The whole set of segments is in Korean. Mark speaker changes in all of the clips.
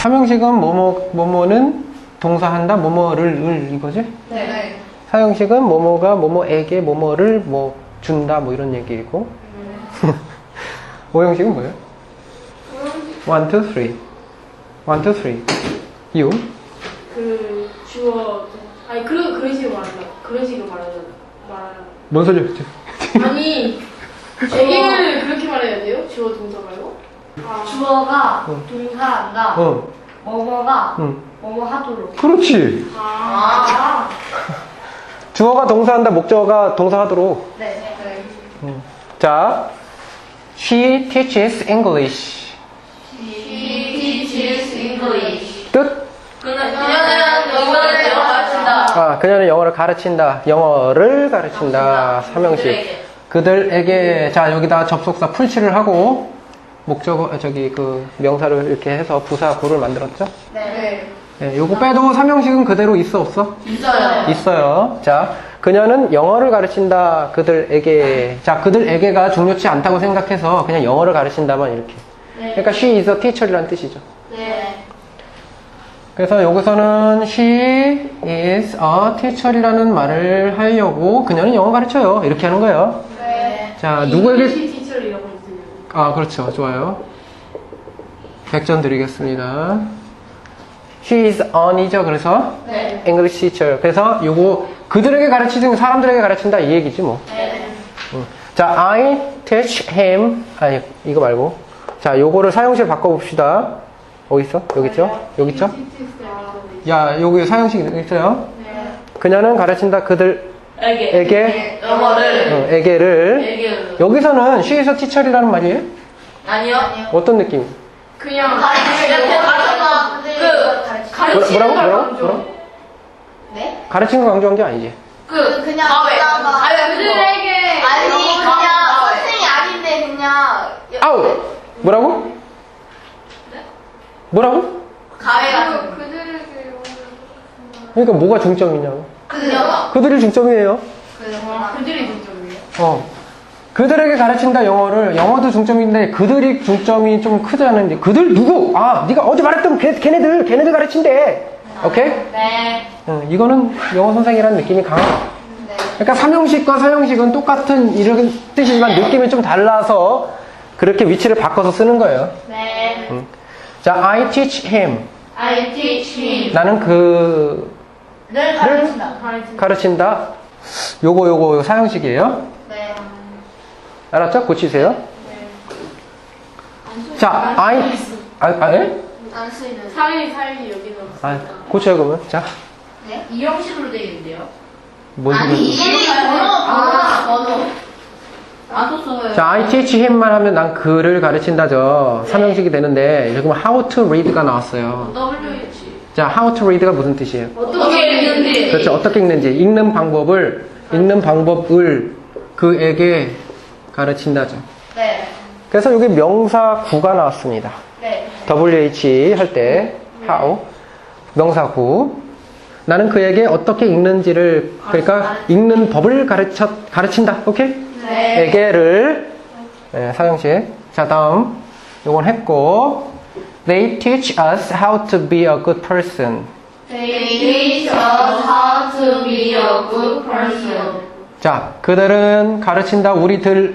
Speaker 1: 삼형식은 뭐뭐는 동사한다, 뭐뭐를 이거지?
Speaker 2: 네.
Speaker 1: 사형식은 뭐뭐가 뭐뭐에게 뭐뭐를 뭐 준다, 뭐 이런 얘기이고. 오형식은 뭐예요? 1, 2, 3. 1, 2, 3. You?
Speaker 2: 그 주어 아니 그런 식으로 말한다. 그런 식으로 말하는.
Speaker 1: 뭔 소리야, 그치?
Speaker 2: 아니 얘기를 그렇게 말해야 돼요? 주어 동사 말고?
Speaker 3: 주어가
Speaker 1: 응.
Speaker 3: 동사한다. 뭐뭐가 뭐뭐 하도록.
Speaker 1: 그렇지. 주어가 동사한다, 목적어가 동사하도록.
Speaker 3: 네.
Speaker 1: 자, she teaches English.
Speaker 3: She teaches English.
Speaker 1: 뜻?
Speaker 3: 그녀는 영어를 가르친다.
Speaker 1: 아, 그녀는 영어를 가르친다. 영어를 가르친다. 삼형식. 그들에게. 자, 여기다 접속사 풀칠을 하고 목적어 그 명사를 이렇게 해서 부사 구를 만들었죠?
Speaker 3: 네.
Speaker 1: 네, 요거 빼도 삼형식은 그대로 있어 없어?
Speaker 3: 있어요.
Speaker 1: 있어요. 자, 그녀는 영어를 가르친다. 그들에게. 자, 그들에게가 중요치 않다고 생각해서 그냥 영어를 가르친다만 이렇게. 그러니까 she is a teacher이라는 뜻이죠.
Speaker 3: 네.
Speaker 1: 그래서 여기서는 she is a teacher이라는 말을 하려고 그녀는 영어 가르쳐요. 이렇게 하는 거예요.
Speaker 3: 네.
Speaker 1: 자, 누구에게?
Speaker 2: 티처리라고 있어요.
Speaker 1: 아, 그렇죠. 좋아요. 100점 드리겠습니다. She is on이죠. 그래서
Speaker 3: 네.
Speaker 1: English teacher. 그래서 요거 그들에게 가르치든 사람들에게 가르친다 이 얘기지 뭐.
Speaker 3: 네.
Speaker 1: 자, I teach him. 아니, 이거 말고. 자, 요거를 사용실 바꿔봅시다. 어디 있어? 여기 있죠? 여기 있죠? 야, 여기 사용식 있어요?
Speaker 3: 네.
Speaker 1: 그녀는 가르친다 그들에게
Speaker 3: 영어를.
Speaker 1: 에게를. 여기서는 she is a teacher이라는 말이에요?
Speaker 3: 아니요.
Speaker 1: 어떤 느낌?
Speaker 2: 그냥
Speaker 1: 뭐라고?
Speaker 3: 네?
Speaker 1: 가르치는 거 강조한 게 아니지.
Speaker 3: 그냥 그들에게 아니 그냥 선생이 아닌데 그냥
Speaker 1: 아우! 뭐라고? 뭐라고?
Speaker 3: 가해 같은
Speaker 1: 그러니까 뭐가 중점이냐고.
Speaker 3: 그들요?
Speaker 1: 그들이 중점이에요.
Speaker 2: 그들이 중점이에요.
Speaker 1: 그들에게 가르친다 영어를. 영어도 중점인데 그들이 중점이 좀 크다는데. 그들 누구? 아, 네가 어제 말했던 걔네들 가르친대. 오케이?
Speaker 3: 네.
Speaker 1: 이거는 영어 선생이라는 느낌이 강하다.
Speaker 3: 네.
Speaker 1: 그러니까 삼형식과 사형식은 똑같은 이런 뜻이지만 느낌이 좀 달라서 그렇게 위치를 바꿔서 쓰는 거예요.
Speaker 3: 네.
Speaker 1: 자, I teach him.
Speaker 3: I teach him.
Speaker 1: 나는 늘 가르친다. 요거 사형식이에요.
Speaker 3: 네.
Speaker 1: 알았죠? 고치세요. 자, 예?
Speaker 3: 안 쓰이는.
Speaker 2: 사이 여기는
Speaker 1: 아, 고쳐요, 그러면. 자,
Speaker 3: 네? 이 형식으로 되어 있는데요.
Speaker 1: 뭔
Speaker 3: 아니
Speaker 1: 소리?
Speaker 3: 이름이 번호. 안 썼어요.
Speaker 1: 자, I teach him만 하면 난 그를 가르친다죠. 삼형식이 되는데, 그러면 how to read가 나왔어요.
Speaker 3: WH.
Speaker 1: 자, how to read가 무슨 뜻이에요?
Speaker 3: 어떻게 읽는지.
Speaker 1: 그렇죠. 어떻게 읽는지. 읽는 방법을 그에게 가르친다죠.
Speaker 3: 네.
Speaker 1: 그래서 여기 명사 구가 나왔습니다.
Speaker 3: 네.
Speaker 1: WH 할 때, how. 명사 구. 나는 그에게 어떻게 읽는지를, 그러니까 읽는 법을 가르친다. 오케이?
Speaker 3: 네.
Speaker 1: 에게를, 네, 사형식. 자, 다음. 요건 했고. They teach us how to be a good person.
Speaker 3: They teach us how to be a good person.
Speaker 1: 자, 그들은 가르친다 우리들을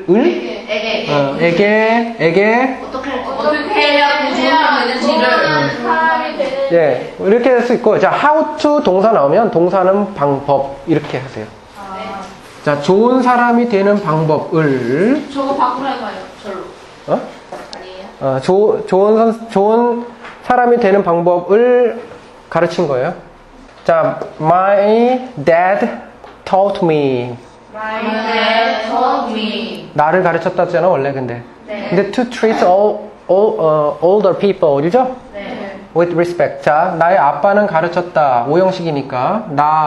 Speaker 1: 에게
Speaker 3: 어떻게 해야 구조하는지를.
Speaker 1: 예, 이렇게 할 수 있고, 자, how to 동사 나오면 동사는 방법 이렇게 하세요. 자, 좋은 사람이 되는 방법을
Speaker 3: 저거 바꾸라고요. 절로. 아니에요?
Speaker 1: 좋은 사람이 되는 방법을 가르친 거예요. 자, my dad taught me.
Speaker 3: My dad taught me.
Speaker 1: 나를 가르쳤다잖아 원래 근데.
Speaker 3: 네.
Speaker 1: 근데 to treat older people, 이죠?
Speaker 3: 네.
Speaker 1: With respect. 자, 나의 아빠는 가르쳤다. 오형식이니까.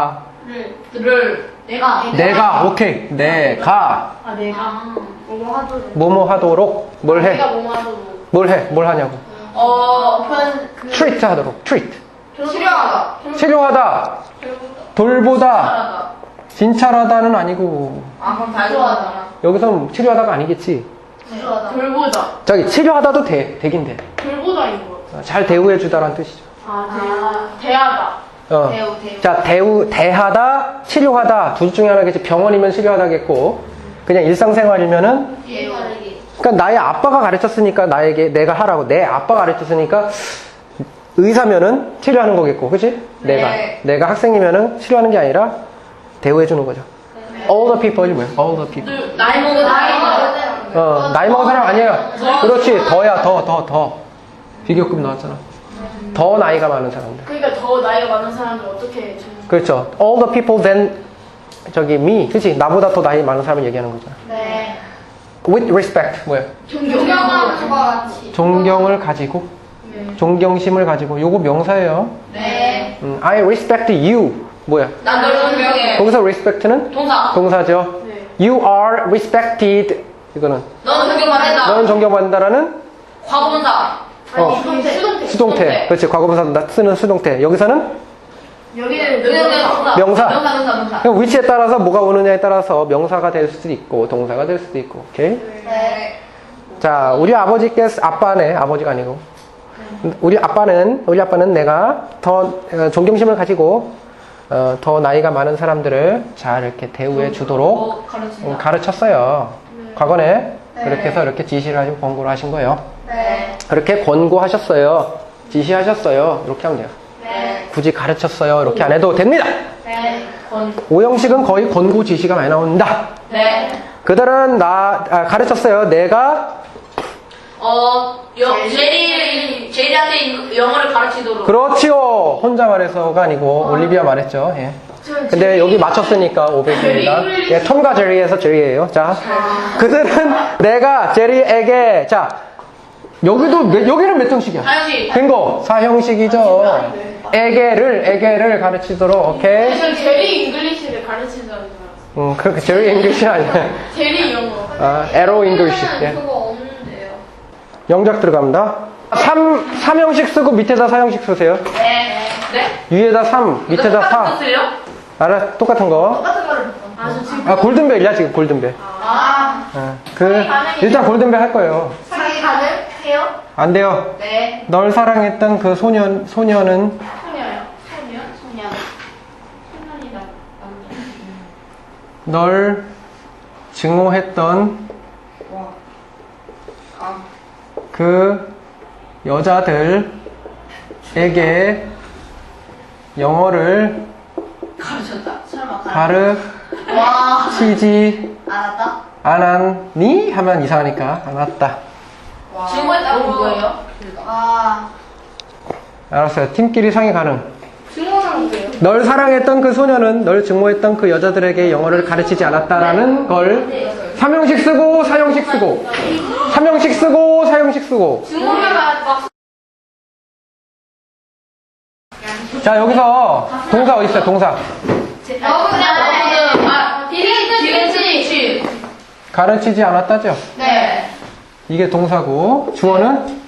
Speaker 1: 내가, 오케이. 내가,
Speaker 2: 내가 뭐뭐 하도록.
Speaker 1: 뭐뭐 하도록, 뭘 해?
Speaker 2: 내가 뭐뭐 하도록.
Speaker 1: 뭘 하냐고. treat 하도록, treat. 치료하다, 돌보다, 진찰하다는 아니고.
Speaker 3: 그럼 다 좋아하잖아.
Speaker 1: 여기서 치료하다가 아니겠지.
Speaker 2: 돌보다.
Speaker 1: 저기, 치료하다도 되긴 돼.
Speaker 2: 돌보다인 것 같아.
Speaker 1: 잘 대우해주다라는 뜻이죠.
Speaker 2: 대하다.
Speaker 1: 자, 대하다, 치료하다. 둘 중에 하나겠지. 병원이면 치료하다겠고, 그냥 일상생활이면은, 그러니까 나의 아빠가 가르쳤으니까 내가 하라고. 내 아빠가 가르쳤으니까 의사면은 치료하는 거겠고, 그치? 내가 학생이면은 치료하는 게 아니라 대우해주는 거죠. All the people이 뭐야? All the people.
Speaker 3: 나이 먹은
Speaker 1: 나이 먹은 사람 아니에요. 그렇지. 더야, 더. 비교급 나왔잖아. 더 나이가 많은 사람들.
Speaker 2: 그러니까 더 나이가 많은 사람들 어떻게
Speaker 1: 그렇죠. All the people than me. 그치? 나보다 더 나이 많은 사람을 얘기하는 거잖아.
Speaker 3: 네.
Speaker 1: With respect. 뭐야?
Speaker 3: 존경하는 것 같이.
Speaker 1: 존경을 가지고. 존경심을 가지고. 요거 명사예요.
Speaker 3: 네.
Speaker 1: I respect you. 뭐야?
Speaker 3: 난 널 존경해.
Speaker 1: 거기서 respect는?
Speaker 3: 동사.
Speaker 1: 동사죠.
Speaker 2: 네.
Speaker 1: You are respected. 이거는.
Speaker 3: 너는 존경받는다.
Speaker 1: 너는 존경받는다라는
Speaker 3: 과거분사.
Speaker 1: 수동태. 그렇지. 과거분사 쓰는 수동태. 여기서는
Speaker 2: 여기는
Speaker 1: 명사.
Speaker 3: 명사.
Speaker 1: 그럼 위치에 따라서 뭐가 오느냐에 따라서 명사가 될 수도 있고 동사가 될 수도 있고. 오케이?
Speaker 3: 네.
Speaker 1: 자, 우리 아버지께서 아빠네. 아버지가 아니고. 우리 아빠는 내가 더 존경심을 가지고 더 나이가 많은 사람들을 잘 이렇게 대우해 주도록 가르쳤어요. 과거에 그렇게 해서 이렇게 지시를 하시고 권고를 하신 거예요.
Speaker 3: 네.
Speaker 1: 그렇게 권고하셨어요. 지시하셨어요. 이렇게 하면 돼요.
Speaker 3: 네.
Speaker 1: 굳이 가르쳤어요. 이렇게 안 해도 됩니다.
Speaker 3: 네.
Speaker 1: 오형식은 거의 권고 지시가 많이 나온다.
Speaker 3: 네.
Speaker 1: 그들은 가르쳤어요. 내가
Speaker 3: 제리한테 영어를 가르치도록.
Speaker 1: 그렇지요. 혼자 말해서가 아니고 올리비아 말했죠. 예. 근데 여기 맞췄으니까 500입니다. 예, 톰과 제리에서 제리예요. 자, 그들은 내가 제리에게 자 여기는 몇 형식이야?
Speaker 3: 사형식.
Speaker 1: 빙고 사형식이죠. 에게를 가르치도록. 오케이.
Speaker 2: 저는 제리 잉글리시를 가르친다는 줄 알았어요.
Speaker 1: 그렇게 제리 잉글리시 아니야.
Speaker 2: 제리 영어.
Speaker 1: 에로 잉글리시. 예.
Speaker 3: 그거 없는데요.
Speaker 1: 영작 들어갑니다. 3형식 쓰고 밑에다 4형식 쓰세요.
Speaker 3: 네. 네?
Speaker 1: 위에다 3, 밑에다 4. 알아? 똑같은 거.
Speaker 3: 똑같은 거를
Speaker 2: 저 지금
Speaker 1: 골든벨이야, 지금 골든벨. 일단 골든벨 할 거예요.
Speaker 3: 사기 가능해요?
Speaker 1: 안 돼요.
Speaker 3: 네.
Speaker 1: 널 사랑했던 그 소년은
Speaker 3: 소녀요. 소년이다.
Speaker 1: 널 증오했던 그 여자들에게 영어를
Speaker 3: 가르쳤다. 설마
Speaker 1: 가르치지
Speaker 3: 알았다?
Speaker 1: 않았니? 하면 이상하니까 안 왔다.
Speaker 3: 증오했다고 뭐예요?
Speaker 1: 알았어요. 팀끼리 상의 가능.
Speaker 3: 증오는 뭐예요?
Speaker 1: 널 사랑했던 그 소녀는 널 증오했던 그 여자들에게 영어를 가르치지 않았다라는 걸 3형식 쓰고 4형식 쓰고 3형식 쓰고 4형식 쓰고.
Speaker 3: 증오가 막
Speaker 1: 자, 여기서 동사 어디 있어요? 동사. 가르치지 않았다죠?
Speaker 3: 네.
Speaker 1: 이게 동사고 주어는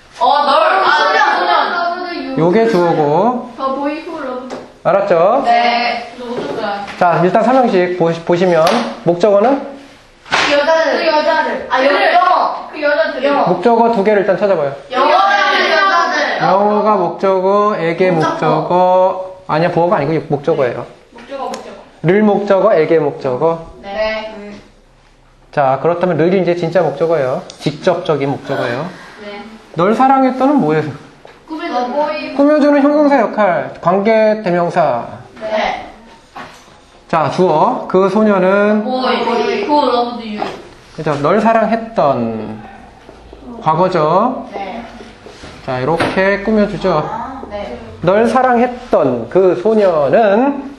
Speaker 3: 소년.
Speaker 1: 요게 주어고.
Speaker 2: 더 보이 후 러브.
Speaker 1: 알았죠?
Speaker 3: 네.
Speaker 1: 자, 일단 3형식 보시면 목적어는
Speaker 3: 그 여자들. 영어. 그 여자들. 영어.
Speaker 1: 목적어 두 개를 일단 찾아봐요.
Speaker 3: 여자들.
Speaker 1: 영어가 목적어에게 목적어 아니야, 보어가 아니고 목적어예요. 를 목적어, 에게 목적어.
Speaker 3: 네.
Speaker 1: 자, 그렇다면 를 이제 진짜 목적어예요. 직접적인 목적어예요.
Speaker 3: 네.
Speaker 1: 널 사랑했던은 뭐예요? 꾸며주는 형용사 역할, 관계 대명사.
Speaker 3: 네.
Speaker 1: 자, 주어. 그 소녀는
Speaker 3: Boy who loved you.
Speaker 1: 그죠? 널 사랑했던 과거죠.
Speaker 3: 네.
Speaker 1: 자, 이렇게 꾸며주죠.
Speaker 3: 네.
Speaker 1: 널 사랑했던 그 소녀는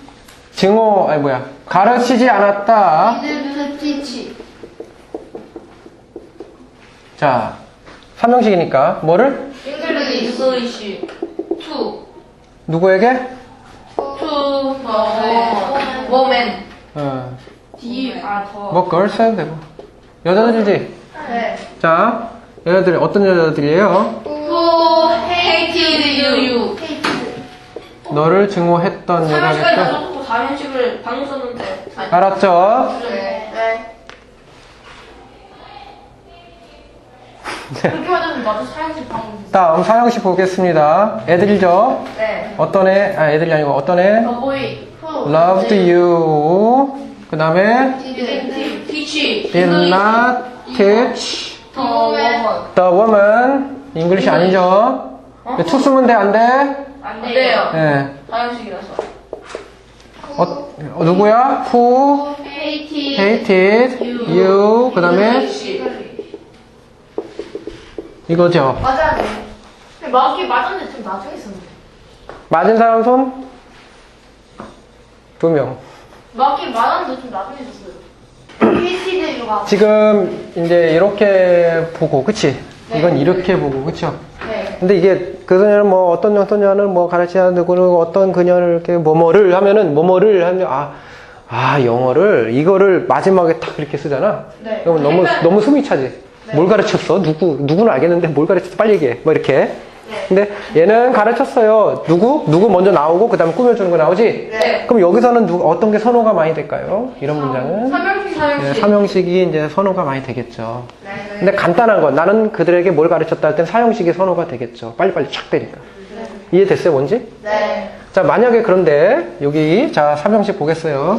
Speaker 1: 가르치지 않았다.
Speaker 3: Didn't teach.
Speaker 1: 자, 3형식이니까 뭐를?
Speaker 3: English. To.
Speaker 1: 누구에게?
Speaker 3: To woman.
Speaker 1: 뭐 girls 해도 되고. 여자들이지?
Speaker 3: 네.
Speaker 1: 자, 여자들 어떤 여자들이에요?
Speaker 3: Who hated you.
Speaker 1: 너를 증오했던 여자겠죠?
Speaker 3: 4년씩을 방금 썼는데.
Speaker 1: 알았죠?
Speaker 3: 네. 그렇게 맞으면 맞아 사용식 방금.
Speaker 1: 다음 사형식 보겠습니다. 애들이죠?
Speaker 3: 네.
Speaker 1: 어떤 애, 애들이 아니고 어떤 애?
Speaker 3: 더보이.
Speaker 1: loved you. 그 다음에
Speaker 3: teach.
Speaker 1: did not teach
Speaker 3: the woman.
Speaker 1: the woman. 잉글리시 아니죠? 투 쓰면 돼, 안 돼?
Speaker 3: 안 돼요.
Speaker 1: 예.
Speaker 3: 사용식이라서.
Speaker 1: 누구야? who
Speaker 3: hated.
Speaker 1: hated you. 그 다음에 이거죠.
Speaker 3: 맞아야 돼. 맞긴 맞았는데 좀 나중에 썼는데.
Speaker 1: 맞은 사람 손? 2명.
Speaker 3: 맞긴 맞았는데 좀 나중에 썼어요. hated 이유가.
Speaker 1: 지금 이제 이렇게 보고, 그치? 이건 이렇게 보고, 그쵸?
Speaker 3: 네.
Speaker 1: 근데 이게 그 소녀는 뭐 어떤 소녀는 뭐 가르치는 누구는 어떤 그녀를 이렇게 뭐뭐를 하면은 뭐뭐를 하면 영어를 이거를 마지막에 딱 이렇게 쓰잖아.
Speaker 3: 네.
Speaker 1: 그러면 너무 숨이 차지. 뭘 가르쳤어? 누구는 알겠는데 뭘 가르쳤어? 빨리 얘기해. 뭐 이렇게.
Speaker 3: 네.
Speaker 1: 근데 얘는 가르쳤어요. 누구 먼저 나오고 그 다음에 꾸며주는 거 나오지?
Speaker 3: 네.
Speaker 1: 그럼 여기서는 어떤 게 선호가 많이 될까요? 이런 문장은?
Speaker 3: 삼형식.
Speaker 1: 네, 삼형식이 이제 선호가 많이 되겠죠.
Speaker 3: 네.
Speaker 1: 근데 간단한 건 나는 그들에게 뭘 가르쳤다 할 땐 사형식이 선호가 되겠죠. 빨리빨리 착 되니까. 이해됐어요, 뭔지?
Speaker 3: 네.
Speaker 1: 자, 만약에 그런데 여기 자, 삼형식 보겠어요.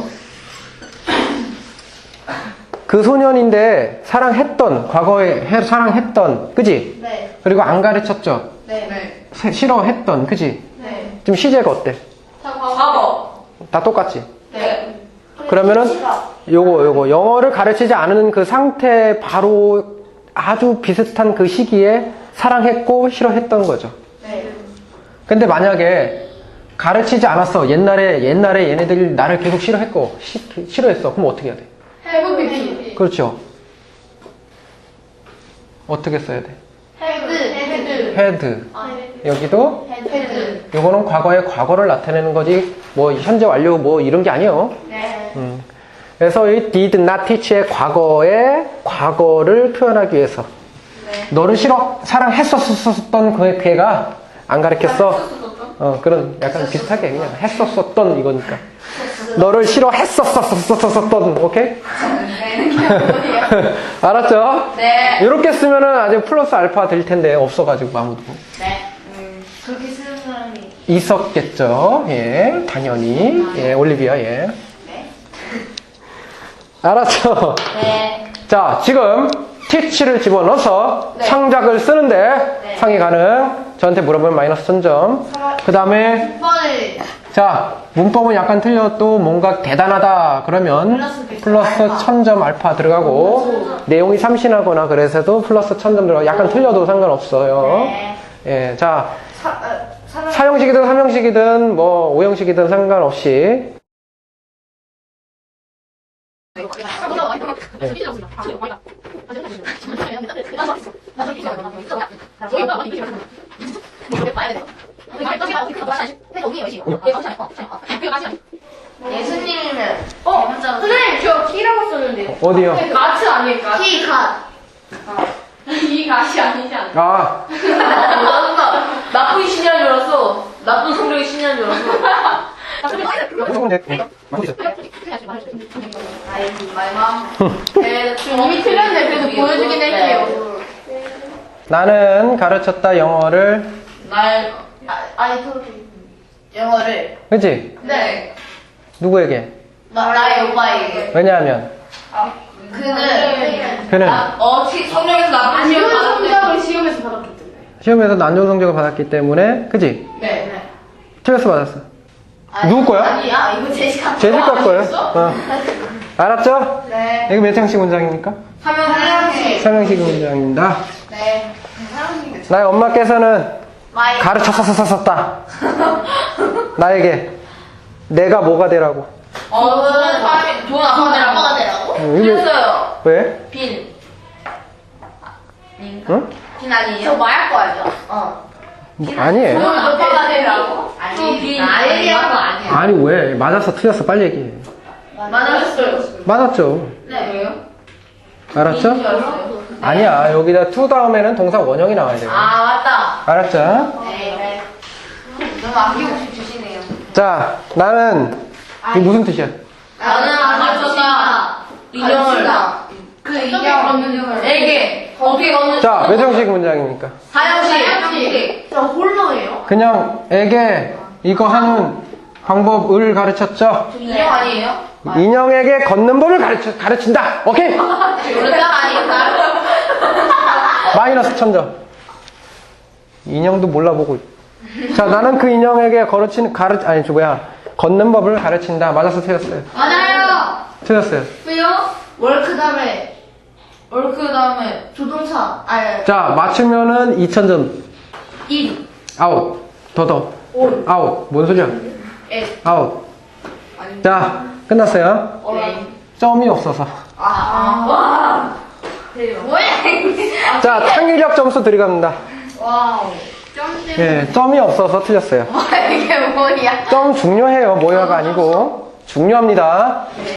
Speaker 1: 그 소년인데 사랑했던 과거에 사랑했던 그지?
Speaker 3: 네.
Speaker 1: 그리고 안 가르쳤죠.
Speaker 3: 네.
Speaker 1: 싫어했던 그지?
Speaker 3: 네.
Speaker 1: 지금 시제가 어때?
Speaker 3: 과거.
Speaker 1: 다 똑같지?
Speaker 3: 네.
Speaker 1: 그러면은 요거 영어를 가르치지 않은 그 상태 바로 아주 비슷한 그 시기에 사랑했고 싫어했던 거죠.
Speaker 3: 네.
Speaker 1: 근데 만약에 가르치지 않았어. 옛날에 얘네들이 나를 계속 싫어했고 싫어했어. 그럼 어떻게 해야 돼?
Speaker 3: 헤드.
Speaker 1: 그렇죠. 어떻게 써야 돼?
Speaker 3: 헤드.
Speaker 1: had. 여기도
Speaker 3: 헤드.
Speaker 1: 요거는 과거의 과거를 나타내는 거지 뭐 현재 완료 뭐 이런 게 아니에요.
Speaker 3: 네.
Speaker 1: 그래서 이 did not teach의 과거를 표현하기 위해서 너를 사랑했었던 그 걔가 안 가르쳤어. 그런 약간 비슷하게 그냥 했었던 이거니까. 너를 싫어했었던 오케이? 알았죠?
Speaker 3: 네.
Speaker 1: 이렇게 쓰면은 아직 플러스 알파 될 텐데 없어가지고 아무도
Speaker 3: 네. 그렇게 쓰는 사람이.
Speaker 1: 있었겠죠. 예, 당연히. 예, 올리비아 예.
Speaker 3: 네.
Speaker 1: 알았죠?
Speaker 3: 네.
Speaker 1: 자, 지금 teach를 집어넣어서
Speaker 3: 네.
Speaker 1: 창작을 쓰는데
Speaker 3: 네.
Speaker 1: 상이 가능. 저한테 물어보면 마이너스 1000점. 그 다음에
Speaker 3: 번을.
Speaker 1: 자, 문법은 약간 틀려도 뭔가 대단하다 그러면 플러스 1000점 알파 들어가고 내용이 참신하거나 그래서도 플러스 1000점 들어가고 약간 틀려도 상관없어요.
Speaker 3: 네.
Speaker 1: 예, 자, 사형식이든 삼형식이든 뭐 오형식이든 상관없이
Speaker 3: 예수님이면. 선생님 저 키라고 썼는데.
Speaker 1: 어디요?
Speaker 2: 가츠 아닐까?
Speaker 3: 키 갓.
Speaker 2: 이 가시 아니지 않나?
Speaker 1: 아,
Speaker 2: 나쁜 신이한 줄 알았어. 나쁜 성적인 신이한 줄 알았어. 이미 틀렸는데 그래도 보여주긴 할게요.
Speaker 1: 나는 가르쳤다 영어를
Speaker 3: 영어를.
Speaker 1: 그치?
Speaker 3: 네.
Speaker 1: 누구에게?
Speaker 3: 나의 오빠에게.
Speaker 1: 왜냐하면
Speaker 3: 그는
Speaker 2: 성적에서 나쁜
Speaker 3: 안 좋은
Speaker 2: 성적을 시험에서 받았기 때문에.
Speaker 1: 시험에서 안 좋은 성적을 받았기 때문에 그치?
Speaker 3: 네.
Speaker 1: 틀려서 받았어. 누구 거야?
Speaker 3: 아니야, 이거 제시카.
Speaker 1: 제시카 거예요. 알았죠?
Speaker 3: 네.
Speaker 1: 이거 몇 형식 문장입니까?
Speaker 3: 삼형식.
Speaker 1: 삼형식 문장입니다.
Speaker 3: 네. 삼형식.
Speaker 1: 나의 엄마께서는
Speaker 3: 마이.
Speaker 1: 가르쳤었다. 나에게 내가 뭐가 되라고.
Speaker 3: 좋은 아빠가 되라고?
Speaker 2: 틀렸어요.
Speaker 1: 왜?
Speaker 2: 빈.
Speaker 1: 응?
Speaker 3: 빈 아니에요? 저 마약 거 알죠?
Speaker 1: 아니에요.
Speaker 3: 좋은 아빠가 되라고?
Speaker 2: 빈.
Speaker 3: 아니야, 거 아니에요.
Speaker 1: 아니 왜? 맞았어 틀렸어 빨리 얘기해.
Speaker 2: 맞았어요.
Speaker 1: 맞았죠.
Speaker 3: 네.
Speaker 2: 왜요?
Speaker 1: 알았죠? 아니야 여기다 to 다음에는 동사 원형이 나와야 돼요.
Speaker 3: 맞다.
Speaker 1: 알았죠?
Speaker 3: 네. 너무 아낌없이 주시네요.
Speaker 1: 자 나는 이게 무슨 뜻이야?
Speaker 3: 나는 안 맞췄다.
Speaker 2: 인형을.
Speaker 3: 그 인형.
Speaker 2: 에게.
Speaker 3: 어떻게 거는?
Speaker 1: 자, 몇 형식 문장입니까?
Speaker 3: 사형식.
Speaker 2: 저 홀너예요?
Speaker 1: 그냥 에게 이거 하는 방법을 가르쳤죠?
Speaker 3: 인형 아니에요?
Speaker 1: 인형에게 걷는 법을 가르친다. 오케이?
Speaker 3: 요르장 아닌가요?
Speaker 1: 마이너스 1000점. 인형도 몰라보고. 자, 나는 그 인형에게 걷는 법을 가르친다. 맞아서 틀렸어요.
Speaker 3: 맞아요.
Speaker 1: 틀렸어요.
Speaker 3: 왜요? 월크 다음에 조동사.
Speaker 1: 자, 맞추면은 2000점.
Speaker 3: 인.
Speaker 1: 아웃. 더. 아웃. 뭔 소리야?
Speaker 3: 에.
Speaker 1: 아웃. 자, 끝났어요.
Speaker 3: 네.
Speaker 1: 점이 없어서.
Speaker 3: 와. 뭐야?
Speaker 1: 자, 창의력 점수 드리갑니다.
Speaker 3: 와우. 점 때문에.
Speaker 1: 예, 점이 없어서 틀렸어요.
Speaker 3: 이게 뭐야?
Speaker 1: 점 중요해요. 모여가 아니고. 중요합니다.